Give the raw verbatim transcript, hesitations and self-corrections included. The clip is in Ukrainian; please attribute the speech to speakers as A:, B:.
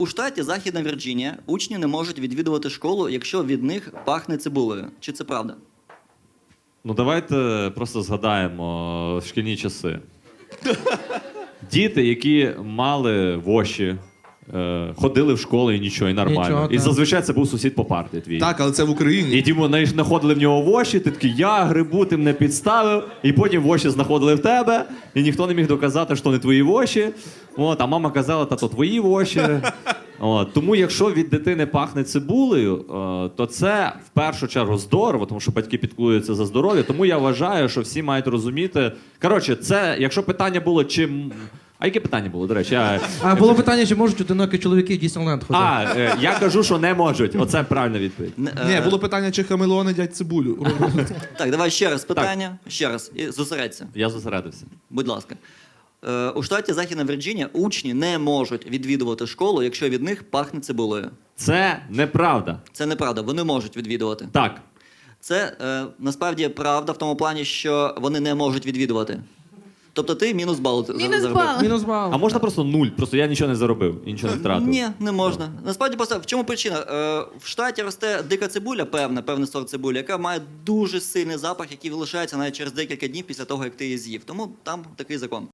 A: У штаті Західна Вірджинія учні не можуть відвідувати школу, якщо від них пахне цибулею. Чи це правда?
B: Ну давайте просто згадаємо шкільні часи. Діти, які мали воші, е, ходили в школу і нічого, і нормально.
C: Нічого,
B: і
C: так.
B: зазвичай це був сусід по парті твій.
D: Так, але це в Україні.
B: І ті вони знаходили в нього воші, ти такий, я грибу, ти мене підставив, і потім воші знаходили в тебе, і ніхто не міг доказати, що не твої воші. От, а мама казала, та то твої воші. От, тому якщо від дитини пахне цибулею, е, то це в першу чергу здорово, тому що батьки піклуються за здоров'я. Тому я вважаю, що всі мають розуміти. Коротше, це, якщо питання було, чим. А яке питання було, до речі? Я...
C: А було питання, чи можуть одинокі чоловіки в Діснейленд ходити?
B: А, е, я кажу, що не можуть. Оце правильна відповідь.
A: Не,
D: Ні,
A: е,
D: було питання, чи хамелеони дядь цибулю.
A: Так, давай ще раз питання. Ще раз. І зосередься.
B: Я зосередився.
A: Будь ласка. Е, у штаті Західна Вірджинія учні не можуть відвідувати школу, якщо від них пахне цибулею.
B: Це неправда.
A: Це неправда, вони можуть відвідувати.
B: Так.
A: Це е, насправді правда в тому плані, що вони не можуть відвідувати. Тобто ти мінус бал за-
E: Мінус
A: заробив.
E: бал.
C: Мінус бал.
B: А можна просто нуль? Просто я нічого не заробив і нічого не втратив.
A: Ні, не можна. Насправді просто в чому причина? Е, в штаті росте дика цибуля, певна, певний сорт цибулі, яка має дуже сильний запах, який залишається навіть через декілька днів після того, як ти її з'їв. Тому там такий закон.